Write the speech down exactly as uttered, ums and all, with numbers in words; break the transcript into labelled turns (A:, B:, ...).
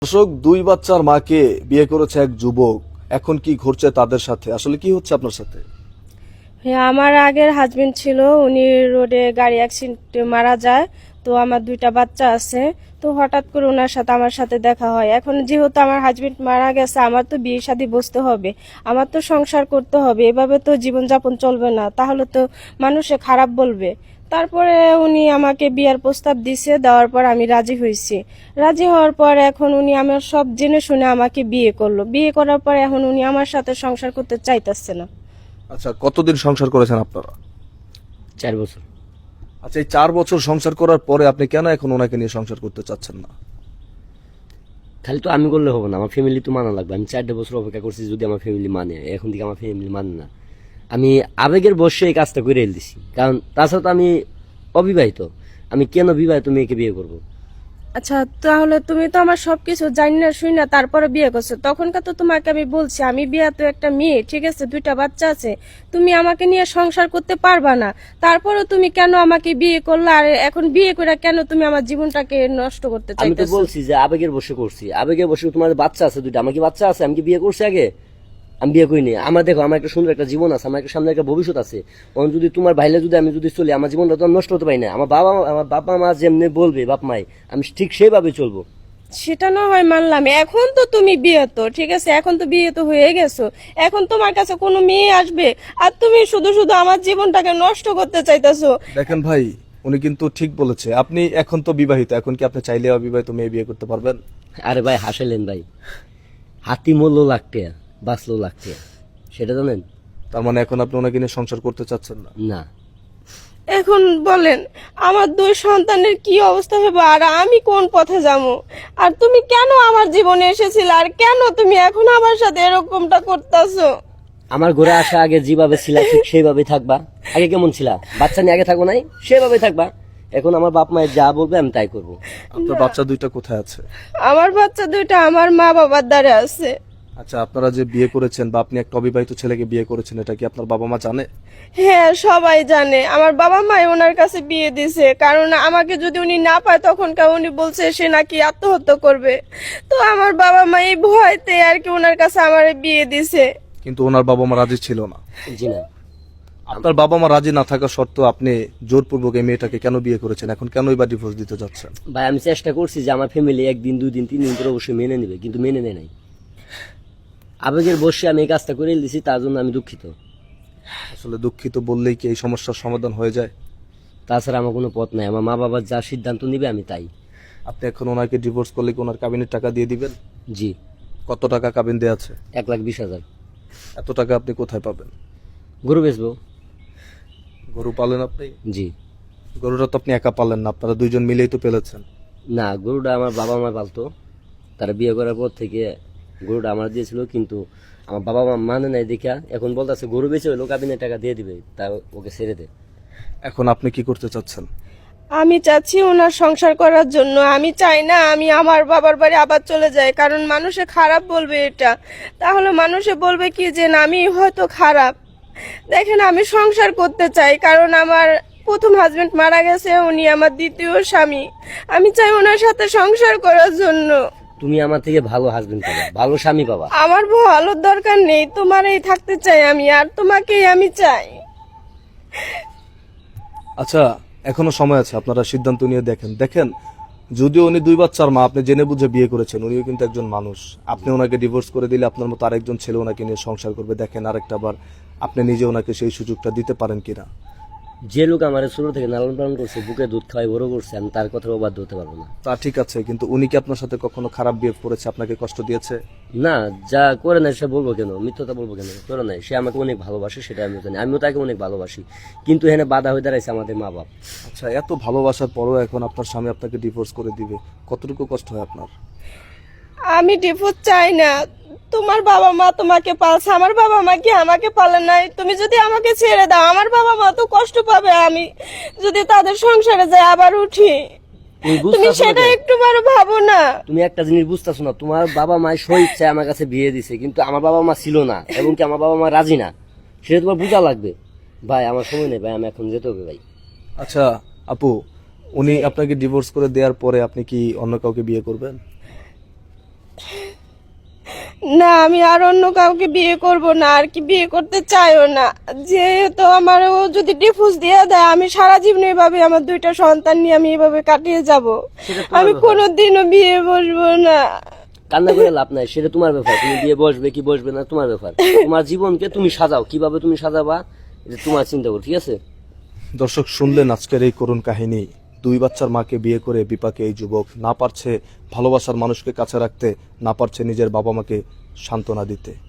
A: দর্শক, দুই বাচ্চার মাকে বিয়ে করেছে এক যুবক। এখন কি ঘটছে তাদের সাথে? আসলে কি হচ্ছে আপনার সাথে?
B: হ্যাঁ, আমার আগের হাজবেন্ড ছিল, উনি রোডে গাড়ি অ্যাক্সিডেন্টে মারা যায়। তো আমার দুইটা বাচ্চা আছে। তো হঠাৎ করে ওনার সাথে আমার সাথে দেখা হয়। এখন যেহেতু আমার হাজবেন্ড মারা গেছে, আমার তো বিয়ে শাদী বসতে হবে, আমার তো সংসার করতে হবে। এভাবে তো জীবনযাপন চলবে না, তাহলে তো মানুষে খারাপ বলবে। তারপরে উনি আমাকে বিয়ার প্রস্তাব দিছে, দেওয়ার পর আমি রাজি হয়েছি। রাজি হওয়ার পর এখন উনি আমার সব জেনে শুনে আমাকে বিয়ে করলো। বিয়ে করার পর এখন উনি আমার সাথে সংসার করতে চাইতেছে না।
A: আচ্ছা, কতদিন সংসার করেছেন আপনারা?
C: চার বছর।
A: আচ্ছা, এই চার বছর সংসার করার পরে আপনি কেন এখন ওনাকে নিয়ে সংসার করতে চাচ্ছেন না?
C: খালি তো আমি করলে হবে না, আমার ফ্যামিলি তো মানা লাগবে। আমি চারটে বছর অপেক্ষা করছি, যদি আমার ফ্যামিলি মানে, এখন থেকে আমার ফ্যামিলি মানে না। আমি আবেগের বসে এই কাজটা করে দিছি, কারণ তাছাড়া তো আমি অবিবাহিত। আমি কেন বিবাহিত মেয়েকে বিয়ে করব?
B: আচ্ছা, তাহলে তুমি তো আমার সবকিছু জানি না শুই না তারপরে বিয়ে করছো। তখনকার তো তোমাকে আমি বলছি আমি বিয়ে তো একটা মেয়ে, ঠিক আছে, দুইটা বাচ্চা আছে, তুমি আমাকে নিয়ে সংসার করতে পারবা না। তারপরে তুমি কেন আমাকে বিয়ে করলে? আর এখন বিয়ে করে কেন তুমি আমার জীবনটাকে নষ্ট করতে
C: আমি তো
B: চাইতেছো?
C: বলছি যে আবেগের বসে করছি, আবেগের বসে। তোমার বাচ্চা আছে দুইটা, আমার কি বাচ্চা আছে? আমি কি বিয়ে করছি আগে? আমি বিয়ে করিনি। আমার দেখো, আমার একটা সুন্দর একটা জীবন আছে, আমার একটা সামনে একটা ভবিষ্যৎ আছে। এখন যদি তোমার ভাইলে যদি আমি যদি চলি, আমার জীবনটা তো আমি নষ্ট হতে পারি না। আমার বাবা আমার বাবা মা যেমনি বলবে, বাপ মাই, আমি ঠিক সেইভাবে চলবো।
B: সেটা না হয় মানলাম, এখন তো তুমি বিয়ে তো ঠিক আছে, এখন তো বিয়ে তো হয়ে গেছো। এখন তোমার কাছে কোনো মেয়ে আসবে, আর তুমি শুধু শুধু আমার জীবনটাকে নষ্ট করতে চাইতেছো।
A: দেখেন ভাই, উনি কিন্তু ঠিক বলেছে। আপনি এখন তো বিবাহিত, এখন কি আপনি চাইলে অবিবাহিত মেয়ে বিয়ে করতে পারবেন?
C: আরে ভাই হাসাইলেন ভাই, হাতি মূল্য লাখ টাকা, বাঁচলো লাখ টাকা, সেটা জানেন?
A: তার মানে এখন আপনি ওনাকে নিয়ে সংসার করতে চাচ্ছেন না?
C: না।
B: এখন বলেন আমার দুই সন্তানের কি অবস্থা হবে, আর আমি কোন পথে যাবো? আর তুমি কেন আমার জীবনে এসেছিলে, আর কেন তুমি এখন আমার সাথে এরকমটা করতেছো?
C: আমার ঘরে আসা আগে যেভাবে ছিলা ঠিক সেইভাবে থাকবা। আগে কেমন ছিলা? বাচ্চা নিয়ে আগে থাকবো নাই, সেভাবে থাকবা। এখন আমার বাপ মায়ের যা বলবে আমি তাই করবো।
A: আপনার বাচ্চা দুইটা কোথায় আছে?
B: আমার বাচ্চা দুইটা আমার মা বাবার দ্বারে আছে।
A: আচ্ছা, আপনারা যে বিয়ে করেছেন বা আপনি একটা অবিবাহিত ছেলেকে বিয়ে করেছেন, এটা কি আপনার বাবা মা জানে?
B: হ্যাঁ, সবাই জানে। আমার বাবা মাই ওনার কাছে বিয়ে দিছে, কারণ আমাকে যদি উনি না পায় তখন কা উনি বলছে সে নাকি আত্মহত্যা করবে। তো আমার বাবা মা এই ভয়তে আর কি ওনার কাছে আমার বিয়ে দিছে।
A: কিন্তু ওনার বাবা মা রাজি ছিল না?
C: জি না।
A: আপনার বাবা মা রাজি না থাকা সত্ত্বেও আপনি জোরপূর্বক এই মেয়েটাকে কেন বিয়ে করেছেন? এখন কেনই বা ডিভোর্স দিতে যাচ্ছেন?
C: ভাই আমি চেষ্টা করছি যে আমার ফ্যামিলি একদিন দুই দিন তিন দিন করে অবশ্যই মেনে নেবে, কিন্তু মেনে নেয় নাই। আবেগের বসে আমি এই কাজটা করে দিয়েছি, তার জন্য আমি দুঃখিত।
A: আসলে দুঃখিত বললেই কি এই সমস্যার সমাধান হয়ে যায়?
C: তাছাড়া আমার কোনো পথ নাই। আমার মা বাবা যা সিদ্ধান্ত নিবে আমি তাই।
A: আপনি এখন ওনাকে ডিভোর্স করলে কি ওনার কাবিনের টাকা দিয়ে দিবেন?
C: জি।
A: কত টাকা কাবিন দেয়া আছে?
C: এক লাখ বিশ হাজার।
A: এত টাকা আপনি কোথায় পাবেন?
C: গরু বেচবো।
A: গরু পালেন আপনি?
C: জি।
A: গরুটা তো আপনি একা পালেন না, আপনারা দুইজন মিলেই তো পেলেছেন।
C: না, গরুটা আমার বাবা মা পালতো। তারা বিয়ে করার পর থেকে গরুটা আমার দিয়েছিল, কিন্তু আমার বাবা মা মানে নাই দেখা এখন বলতেছে গরু বেচে হইলো কাবিনের টাকা দিয়ে দিবে, তা ওকে ছেড়ে দে।
A: এখন আপনি কি করতে চাচ্ছেন?
B: আমি চাচ্ছি ওনার সংসার করার জন্য। আমি চাই না আমি আমার বাবার বাড়ি আবার চলে যাই, কারণ মানুষে খারাপ বলবে এটা। তাহলে মানুষে বলবে কি যে না, আমি হয়তো খারাপ। দেখেন, আমি সংসার করতে চাই, কারণ আমার প্রথম হাজবেন্ড মারা গেছে, উনি আমার দ্বিতীয় স্বামী। আমি চাই ওনার সাথে সংসার করার জন্য।
C: তুমি আমার থেকে ভালো হাজবেন্ড পাবা, ভালো স্বামী পাবা।
B: আমার ভালোর দরকার নেই, তোমারই থাকতে চাই আমি, আর তোমাকেই আমি চাই।
A: আচ্ছা, এখনো সময় আছে, আপনারা সিদ্ধান্ত নিয়ে দেখেন। দেখেন, যদিও উনি দুই বাচ্চার মা, আপনি জেনে বুঝে বিয়ে করেছেন, উনিও কিন্তু একজন মানুষ। আপনি ওনাকে ডিভোর্স করে দিলে আপনার মতো আরেকজন ছেলে ওনাকে নিয়ে সংসার করবে। দেখেন আরেকটা বার আপনি নিজে ওনাকে সেই সুযোগটা দিতে পারেন কিনা।
C: যে লোক আমার ছোট থেকে লালন পালন করছে, বুকে দুধ খাওয়াই বড় করছে, আমি তার কথা অবাধ্য হতে পারবো না।
A: তা ঠিক আছে, কিন্তু উনি কি আপনার সাথে কখনো খারাপ বিহেভ করেছে, আপনাকে কষ্ট দিয়েছে?
C: না, যা করে নাই সে বলবো কেন, মিথ্যতা বলবো কেন? করে নাই। সে আমাকে অনেক ভালোবাসে, সেটা আমিও জানি, আমিও তাকে অনেক ভালোবাসি। কিন্তু এখানে বাধা হয়ে দাঁড়াইছে আমাদের মা বাপ।
A: আচ্ছা, এত ভালোবাসার পরও এখন আপনার স্বামী আপনাকে ডিভোর্স করে দিবে, কতটুকু কষ্ট হয় আপনার?
B: আমি ডিভোর্স চাই না। তোমার বাবা মা তোমাকে পালছে, আমার বাবা মা কি আমাকে পালে নাই? তুমি যদি আমাকে ছেড়ে দাও, আমার বাবা মা তো কষ্ট পাবে। আমি যদি তাদের সংসারে যাই আবার উঠি,
C: তুমি
B: তুমি
C: বুঝতেছো না
B: সেটা
C: কেন?
B: একটু বড় ভাবো না।
C: তুমি একটা জিনিস বুঝতেছো না, তোমার বাবা মা স্ব ইচ্ছায় আমার কাছে বিয়ে দিছে, কিন্তু আমার বাবা মা ছিল না, এবং কি আমার বাবা মা রাজি না। সেটা তোমার বোঝা লাগবে। ভাই আমার সময় নেই ভাই, আমি এখন যেতে হবে ভাই।
A: আচ্ছা আপু, উনি আপনাকে ডিভোর্স করে দেওয়ার পরে আপনি কি অন্য কাউকে বিয়ে করবেন?
B: না, আমি আর অন্য কাউকে বিয়ে করব না, আর কি বিয়ে করতে চাইও না। যেহেতু আমার ও যদি ডিভোর্স দিয়ে দেয়, আমি সারা জীবন এভাবে আমার দুইটা সন্তান নিয়ে আমি এভাবে কাটিয়ে যাব।
C: সেটা তোমার
B: আমি
C: ব্যাপার।
B: কোনোদিনও বিয়ে বসবো না।
C: কান্না করে লাভ নাই, সেটা তোমার ব্যাপার। তুমি বিয়ে বসবে কি বসবে না তোমার ব্যাপার। তোমার জীবনকে তুমি সাজাও, কিভাবে তুমি সাজাবা এটা তোমার চিন্তা করো, ঠিক আছে?
A: দর্শক, শুনলেন আজকের এই করুণ কাহিনী। দুই বাচ্চার মাকে বিয়ে করে বিপাকে এই যুবক না পারছে ভালোবাসার মানুষকে কাছে রাখতে, না পারছে নিজের বাবা মাকে সান্ত্বনা দিতে।